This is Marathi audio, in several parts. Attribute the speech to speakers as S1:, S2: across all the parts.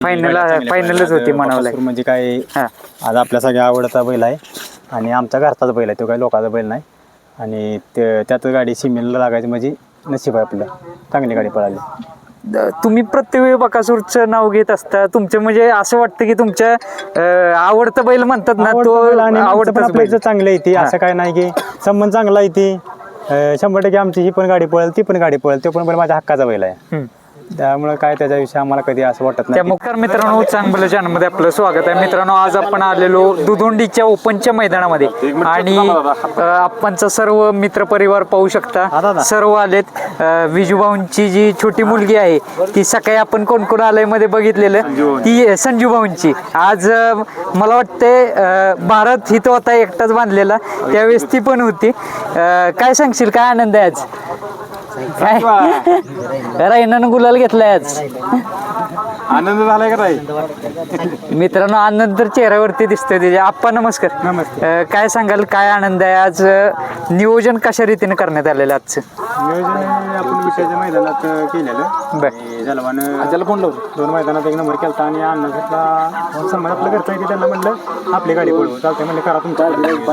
S1: फायनलच होती म्हणावं
S2: म्हणजे काय आज आपल्या सगळ्या आवडता बैल आहे आणि आमच्या घरचाच बैल आहे, तो काही लोकांचा बैल नाही. आणि त्यात गाडी सिमेलला लागायची म्हणजे नशीब आहे आपलं, चांगली गाडी पळाली.
S1: तुम्ही प्रत्येक वेळी बकासूरचं नाव घेत असता, तुमचं म्हणजे असं वाटतं की तुमच्या आवडतं बैल म्हणतात ना, तो आवडतं
S2: बैल चांगलं येते. असं काय नाही की संबंध चांगला येते. 100% आमची ही पण गाडी पळेल, ती पण गाडी पळेल, तो पण बैल माझ्या हक्काचा बैल आहे. त्यामुळे काय त्याच्याविषयी आम्हाला कधी असं वाटत नाही.
S1: त्यामुळे मित्रांनो, चांगलं चॅनलमध्ये आपलं स्वागत आहे. मित्रांनो, आज आपण आलेलो दुधोंडीच्या ओपनच्या मैदानामध्ये आणि आपणचा सर्व मित्रपरिवार पाहू शकता, सर्व आलेत. विजूभाऊंची जी छोटी मुलगी आहे ती सकाळी आपण कोण कोण आलंय मध्ये बघितलेलं, ती संजूभाऊंची. आज मला वाटतंय भारत हिथं होता एकटाच बांधलेला, त्यावेळेस ती पण होती. काय सांगशील, काय आनंद आहे आज? काय रायनानं गुलाल घेतलाय आज,
S2: आनंद झालाय का?
S1: मित्रांनो, आनंद तर चेहऱ्यावरती दिसतोय त्याच्या. आप्पा नमस्कार.
S2: नमस्कार.
S1: काय सांगाल, काय आनंद आहे आज? नियोजन कशा रीतीने करण्यात आलेलं आजचं?
S2: नियोजन आपण विषयाच्या मैदानात केलेलं. जलवानं फोन लावतो, 2 मैदानात 1 नंबर केला आणि अण्णा घेतला. समज आपलं घरचं आहे, त्यांना म्हणलं आपली गाडी पळवू, चालते म्हणलं, करा तुमच्या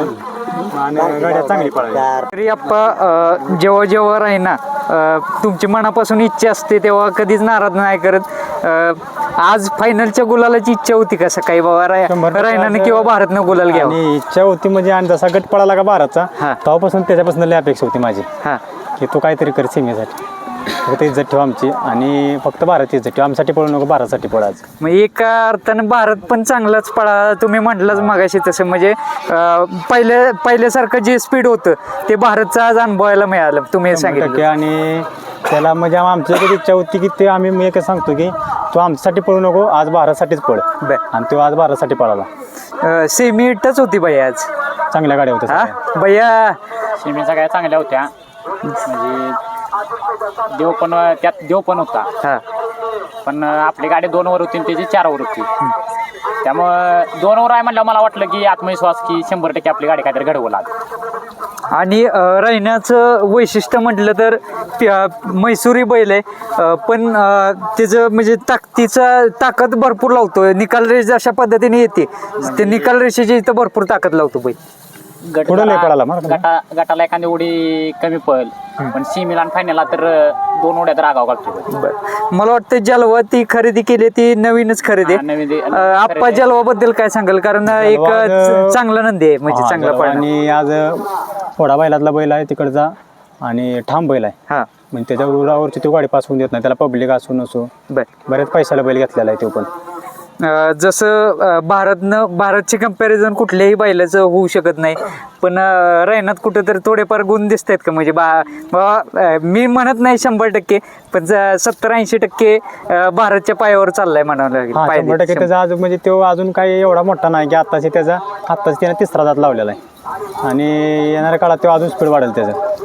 S2: आणि गाड्या चांगली पळाली.
S1: तरी आप्पा, जेव्हा राहिना तुमची मनापासून इच्छा असते तेव्हा कधीच नाराज नाही करत. आज फायनलच्या गुलालाची इच्छा होती का सकाळी, बाबा रायनानं किंवा भारतनं गुलाल घ्यावा?
S2: आणि इच्छा होती म्हणजे, आणि जसा गट पळाला का भारतचा, तेव्हापासून त्याच्यापासून लय अपेक्षा होती माझी की तो काहीतरी कर सीमेसाठी, फक्त इज्जत ठेवा आमची आणि फक्त भारत इज्जत ठेवा, आमसाठी पळू नको, भारतासाठी पळाच.
S1: मग एका अर्थानं भारत पण चांगलाच पळा, तुम्ही म्हटलंच मगाशी तसं. म्हणजे पहिल्यासारखं जे स्पीड होतं ते भारतचं आज अनुभवायला मिळालं, तुम्ही सांगितलं.
S2: आणि त्याला म्हणजे आमची इच्छा होती की ते आम्ही, मी एकच सांगतो की तो आमच्यासाठी पळू नको, आज भारतासाठीच पळ. आणि तो आज भारतासाठी पळाला.
S1: सेमी टच होती भैया आज,
S2: चांगल्या गाड्या होत्या
S1: भैया.
S3: सेमीच्या गाड्या चांगल्या होत्या, म्हणजे देव पण होता. पण आपली गाडी 2 वर होती आणि त्याची 4 वर होती. त्यामुळं 2 वर आहे म्हणल्यावर मला वाटलं की आत्मविश्वास की 100% आपली गाडी काहीतरी घडवू लागेल.
S1: आणि रायनाचं वैशिष्ट्य म्हटलं तर मैसुरी बैल आहे, पण त्याचं म्हणजे ताकद भरपूर लावतो. निकाल रेष अशा पद्धतीने येते, ते निकाल रेषेची इथं भरपूर ताकद लावतो बैल.
S3: गटाला एखादी उडी कमी पळेल, पण सीमेला आणि फायनलला तर 2 उड्या तर आगाव काढतो.
S1: मला वाटतं जलवा ती खरेदी केली, ती नवीनच खरेदी. आप्पा, जलवा बद्दल काय सांगाल? कारण एक चांगला नंदी आहे, म्हणजे चांगला पळ.
S2: आणि आज थोडा बैलातला बैल आहे तिकडचा आणि ठाम बैल आहे, म्हणजे त्याच्या उरावरची तो गाडी पास होऊन देत नाही, त्याला पब्लिक असो नसो बऱ्याच पैशाला बैल घेतलेला आहे तो पण.
S1: जसं भारतची कंपॅरिझन कुठल्याही बैलाचं होऊ शकत नाही, पण रायनात कुठं तर थोडेफार गुण दिसत आहेत का? म्हणजे मी म्हणत नाही 100%, पण 70-80% भारतच्या पायावर चाललाय म्हणावं लागेल.
S2: 100% त्याचा आज म्हणजे तो अजून काही एवढा मोठा नाही की आत्ताच त्याने 3रा दात लावलेला आहे आणि येणाऱ्या काळात तो अजून स्पीड वाढेल त्याचं.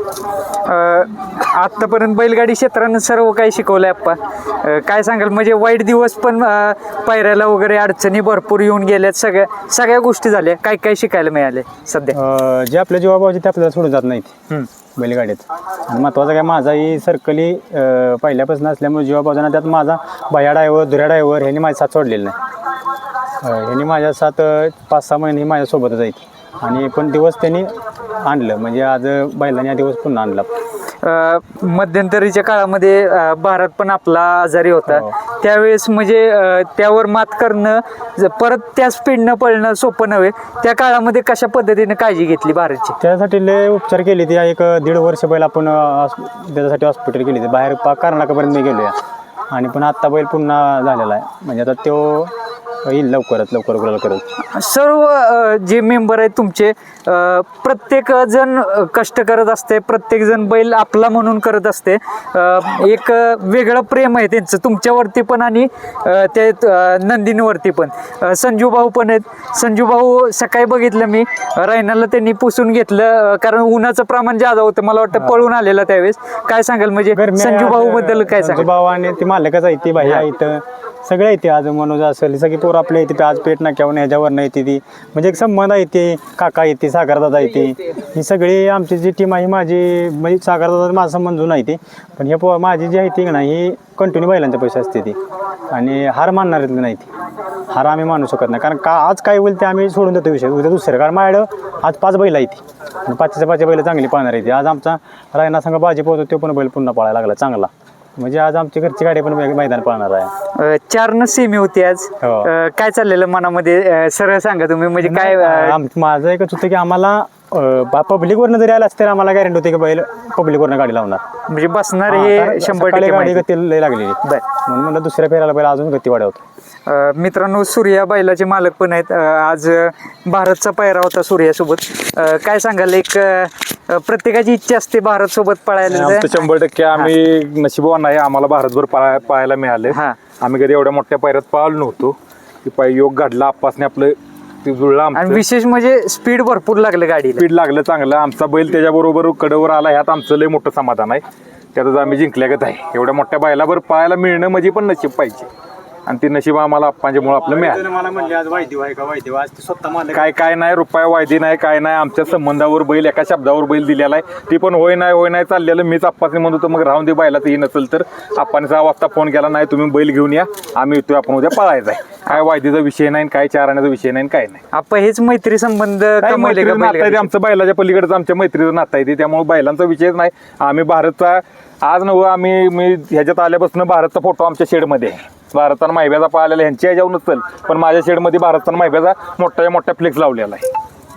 S1: आतापर्यंत बैलगाडी क्षेत्रानं सर्व काही शिकवलंय आप्पा. काय सांगाल, म्हणजे वाईट दिवस पण पायऱ्याला वगैरे अडचणी भरपूर येऊन गेल्यात, सगळ्या गोष्टी झाल्या, काय काय शिकायला मिळाले सध्या?
S2: जे आपल्या जीवाभावाचे ते आपल्याला सोडून जात नाहीत बैलगाडीत. आणि महत्वाचं काय, माझाही सर्कली पहिल्यापासून असल्यामुळे जीवाभावाना त्यात माझा भया ड्रायव्हर, धुऱ्या ड्रायव्हर ह्यांनी माझ्या साथ सोडलेलं नाही. ह्यांनी माझ्या साथ 5-6 महिने माझ्यासोबतच आहेत आणि पण दिवस त्यांनी आणलं, म्हणजे आज बैलांनी हा दिवस पुन्हा आणला.
S1: मध्यंतरीच्या काळामध्ये भारत पण आपला आजारी होता, त्यावेळेस म्हणजे त्यावर मात करणं, परत त्या स्पीडनं पळणं सोपं नव्हे. त्या काळामध्ये कशा पद्धतीने काळजी घेतली भारतची?
S2: त्यासाठी लय उपचार केले ते. 1-1.5 वर्ष बैल आपण त्याच्यासाठी हॉस्पिटल केली, बाहेर कर्नाटकापर्यंत मी गेलो आणि पण आत्ता बैल पुन्हा झालेला आहे, म्हणजे आता तो येईल लवकर गुलाल करत.
S1: सर्व जे मेंबर आहेत तुमचे, प्रत्येक जण कष्ट करत असते, प्रत्येक जण बैल आपला म्हणून करत असते. एक वेगळं प्रेम आहे त्यांचं तुमच्यावरती पण आणि ते नंदिनीवरती पण. संजू भाऊ पण आहेत. संजू भाऊ सकाळी बघितलं मी, रायनाला त्यांनी पुसून घेतलं, कारण उन्हाचं प्रमाण जादा होतं, मला वाटतं पळून आलेला त्यावेळेस. काय सांगाल, म्हणजे संजू भाऊ बद्दल काय सांगाल?
S2: भाऊ आणि ती मालकच आहे, ती बाई आहे इथं, सगळे येते आज मनोज असेल सगळी पोरं आपल्या येते आज पेट नाक्यावर ह्याच्यावर नाही येते ती म्हणजे एक संबंध येते काका येते सागरदादा येते ही सगळी आमची जी टीम आहे माझी म्हणजे सागरदादा माझा संबंध जुना येते पण हे माझी जी आहे ती ना ही कंटिन्यू बैलांच्या पैसे असते ती आणि हार मानणार नाही ती हार आम्ही मानू शकत नाही कारण का आज काय होईल ते आम्ही सोडून देतो विषय उद्या दुसरं कारण माझ्याकडं आज 5 बैल आहे ती आणि 5च्या बैल चांगली पाहणार आहे ती आज आमचा रायना संघ बाजी पोहतो तो पण बैल पुन्हा पळायला लागला चांगला म्हणजे आज आमची घरची गाडी पण मैदान पळणार आहे
S1: 4 सेमी होती आज
S2: हो.
S1: काय चाललेलं मनामध्ये सरळ सांगा तुम्ही म्हणजे काय
S2: माझं एकच होतं की आम्हाला पब्लिकवरनं जरी आला असतं आम्हाला गॅरंटी होती की बैल पब्लिकवरनं गाडी लावणार
S1: म्हणजे बसणार हे 100%
S2: गाडी
S1: माहिती.
S2: गती लय लागलेली म्हणून म्हणलं दुसऱ्या फेराला बैल अजून गती वाढवतो
S1: मित्रांनो सूर्या बैलाचे मालक पण आहेत आज भारतचा पायरा होता सूर्यासोबत काय सांगाल एक प्रत्येकाची इच्छा असते भारत सोबत पळायला
S4: आमचं 100% आम्ही नशिबवान आहे आम्हाला भारतभर पाहायला मिळाले
S1: हा.
S4: आम्ही कधी एवढ्या मोठ्या पायऱ्यात पळालो नव्हतो की योग घडला आप्पासने आपलं ते जुळलं
S1: आणि
S4: आमचं
S1: विशेष म्हणजे स्पीड भरपूर लागलं गाडीला
S4: स्पीड लागलं चांगलं आमचा बैल त्याच्याबरोबर कडेवर आला ह्यात आमचं लय मोठं समाधान आहे त्यातच आम्ही जिंकल्यागत आहे एवढ्या मोठ्या बैलावर पाहायला मिळणं म्हणजे पण नशीब पाहिजे आणि ते नशीब आम्हाला आप्पांच्यामुळे आपलं मिळालं
S2: मला म्हणले आज वायदेव आहे का वायदेव आज स्वतः मला
S4: काय नाही रुपया वायदी नाही काय नाही आमच्या संबंधावर बैल एका शब्दावर बैल दिलेला आहे ती पण होय नाही चाललेलं मीच आप्पासने म्हणत होतो मग राहून दे बैला ही नसेल तर आप्पाने 6 वाजता फोन केला नाही तुम्ही बैल घेऊन या आम्ही येतोय आपण उद्या पळायचा आहे काय वायदीचा विषय नाही काय चारण्याचा विषय नाही काय नाही
S1: आपण हेच मैत्री संबंध
S4: काय
S1: कमवले का
S4: मैत्रीचं नातं आहे ते
S1: बैलगाडी?
S4: आमचं बैलाच्या पलीकडचं आमच्या मैत्रीचं नातं आहे ते त्यामुळे बैलांचा विषयच नाही आम्ही भारतचा आज नव्हतं आम्ही मी ह्याच्यात आल्यापासून भारतचा फोटो आमच्या शेडमध्ये आहे भारतानं माहिब्याचा पाहिलेला ह्यांच्या ह्याच्यावर नसेल पण माझ्या शेडमध्ये भारतानं माहिब्याचा मोठ्या फ्लेक्स लावलेला आहे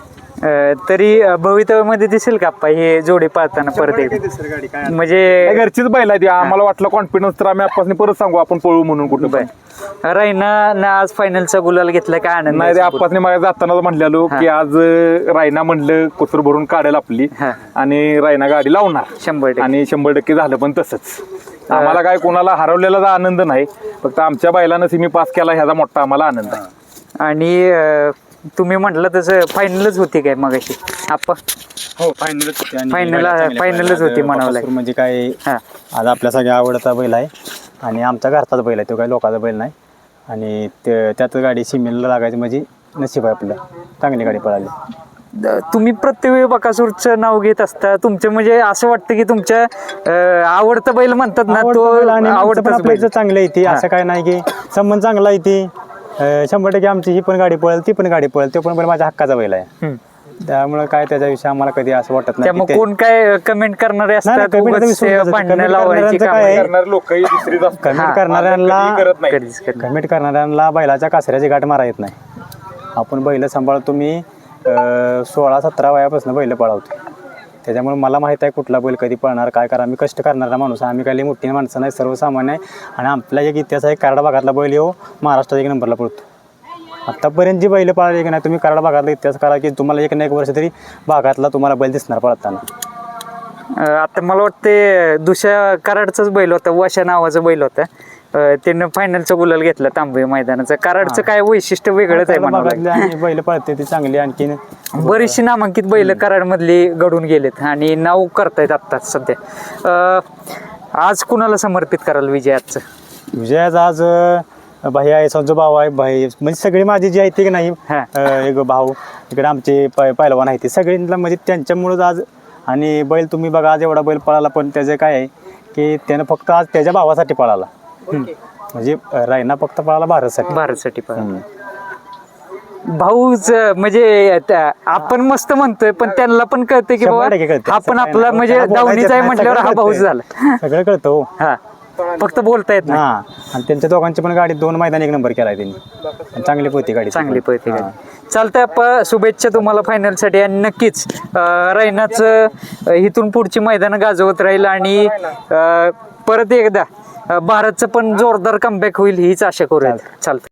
S1: तरी भवितव्यामध्ये दिसेल का आप्पा हे जोडे पाहताना परत एकदा? म्हणजे
S4: घरचीच बैल आहे ती आम्हाला वाटलं कॉन्फिडन्स तर आम्ही आपासने परत सांगू आपण पळू म्हणून कुठं पण.
S1: रायना ना आज फायनलचा गुलाल घेतला काय आनंद
S4: नाही ते आपासने मला जाताना म्हणलेलो की आज रायना म्हणलं कुसूर भरून काढेल आपली
S1: हा.
S4: आणि रायना गाडी लावणार
S1: 100%
S4: आणि 100% झालं पण तसंच आम्हाला काय कोणाला हरवलेला आनंद नाही फक्त आमच्या बैलानं सिमी पास केला ह्याचा मोठा आम्हाला आनंद आहे
S1: आणि तुम्ही म्हटलं तसं फायनलच होती काय मग अशी आप्पा
S2: हो फायनलच होती आणि
S1: Final-
S2: बैल चांगले
S1: finalच
S2: पळाले.
S1: होती
S2: आज
S1: म्हणावं
S2: बकासूर
S1: लागेल.
S2: म्हणजे काय
S1: हा.
S2: आज आपल्या सगळ्या आवडता बैल आहे आणि आमचा घरचाच बैल आहे तो काही लोकांचा बैल नाही आणि त्यात गाडी सिमेलला लागायची म्हणजे नशीब आहे आपलं चांगली गाडी पळाली
S1: तुम्ही प्रत्येक वेळी बकासूरचं नाव घेत असता तुमचं म्हणजे असं वाटतं की तुमच्या आवडतं बैल म्हणतात ना तो आवडतं
S2: आपल्याचं चांगलं आहे ती असं काय नाही की संबंध चांगला आहे ती 100% आमची ही पण गाडी पळेल ती पण गाडी पळेल तो पण बैल माझ्या हक्काचा बैल आहे त्यामुळे काय त्याच्याविषयी आम्हाला कधी असं वाटत नाही
S1: त्यामुळे
S2: की
S1: कोण काय कमेंट करणारे असतात
S2: comment
S1: उगाच
S2: विसरून जातात.
S1: भांडणं
S2: comment
S1: लावायची
S2: करणाऱ्यांचं
S1: कामं.
S2: काय आहे?
S4: करणारे लोकही दुसरीच असतात.
S2: कमेंट करणाऱ्यांना
S4: करत नाही
S1: कधीच करत नाही.
S2: कमेंट करणाऱ्यांना बैलाच्या कासऱ्याची गाठ मारा येत नाही आपण बैल सांभाळतो मी 16-17 वयापासून बैल पळवतो त्याच्यामुळे मला माहीत आहे कुठला बैल कधी पळणार काय करा आम्ही कष्ट करणारा माणूस आहे. आम्ही काही मोठी माणसं नाही सर्वसामान्य आहे आणि आपला एक इतिहास आहे कराड भागातला बैल येऊ महाराष्ट्रात 1 नंबरला पळतो आत्तापर्यंत जी बैल पळाली की नाही तुम्ही कराड भागातला इतिहास करा की तुम्हाला 1 ना 1 वर्ष तरी भागातला तुम्हाला बैल दिसणार पळताना
S1: आता मला वाटते दुसऱ्या कराडचाच बैल होता वशा नावाचा बैल होता त्यानं फायनलचा गुलाल घेतला तांबे मैदानाचा कराडचं काय वैशिष्ट्य वेगळंच आहे म्हणावं लागेल.
S2: भागातली आणि बैल पळते ती चांगली आणखीन
S1: बरीचशी नामांकित बैल कराड मधली घडून गेलेत आणि नाव करतायत आत्ताच सध्या आज कुणाला समर्पित कराल विजय आजचं
S2: विजयाचा आज भाई आहे संजू भाऊ आहे भाई म्हणजे सगळी माझी जी आहे ती की नाही
S1: हा.
S2: एक भाऊ इकडे आमचे पहिलवान आहे ते सगळ्यांना म्हणजे त्यांच्यामुळंच आज आणि बैल तुम्ही बघा आज एवढा बैल पळाला पण त्याचं काय आहे की त्यानं फक्त आज त्याच्या भावासाठी पळाला म्हणजे रायना फक्त पळाला
S1: भारतसाठी भाऊच म्हणजे आपण मस्त म्हणतोय पण त्यांना पण कळतंय की बाबा हा पण आपला म्हणजे दावणीचा आहे म्हटल्यावर हा भाऊच झाला
S2: सगळं कळतं हो
S1: हा फक्त बोलता येत नाही.
S2: हा आणि त्यांच्या दोघांची पण गाडी 2 मैदान 1 नंबर केलाय त्यांनी चांगली पळते गाडी
S1: चांगली पळते गाडी चालतंय आपण शुभेच्छा तुम्हाला फायनलसाठी आणि नक्कीच रायनाचं इथून पुढची मैदान गाजवत राहील आणि परत एकदा भारतचं पण जोरदार कमबॅक होईल हीच आशा करूया चालतं